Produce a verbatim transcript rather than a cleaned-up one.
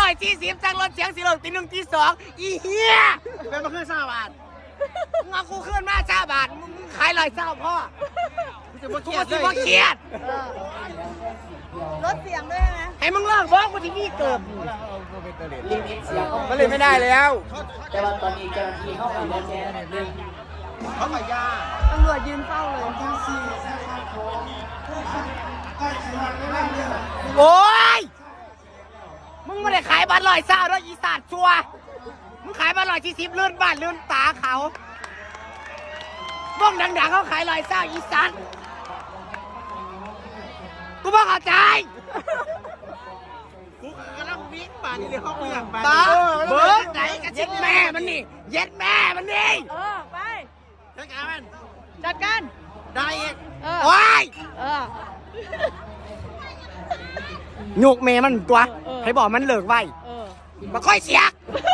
อยสี่สิบจ้างรถเสียงสิลงตีหนึ่งตีสองอีเหี้ยเป็นมาขึ้นสามบาทมึงเอากูขึ้นมาจ้าบาทมึงขายลอยเศร้าพ่อจะมากูเครียดสิบ่เครียดลดเสียงด้วยไหมให้มึงเลิกบอกกูที่นี่เกิดลิมิตเสียงมันเลยไม่ได้แล้วแต่ว่าตอนนี้เจ้าหน้าที่เข้าไปแล้วแจ้งเรื่องเขาขายยาตำรวจยืนเฝ้าเลยโอ้ยมึงไม่ได้ขายบัตรลอยเศร้าด้วยอีสัตว์ชัวมึงขายบัตรลอยสี่สิบเลื่อนบ้านเลื่อนตาเขาบ้องดังๆเขาขายลอยเศร้าอีสัตว์กูบอกเข้าใจกูกำลังวิ่งป่านี่เลยเขาเปลือกป่าตาเบิร์ดไหนกันเย็ดแม่มันนี่เย็ดแม่มันนี่เออ ไปจัดการมันจัดการได้อีกเออโอ้ยเออหยุกเมมันตัวเออให้บอกมันเลิกไว้เออมาค่อยเสียก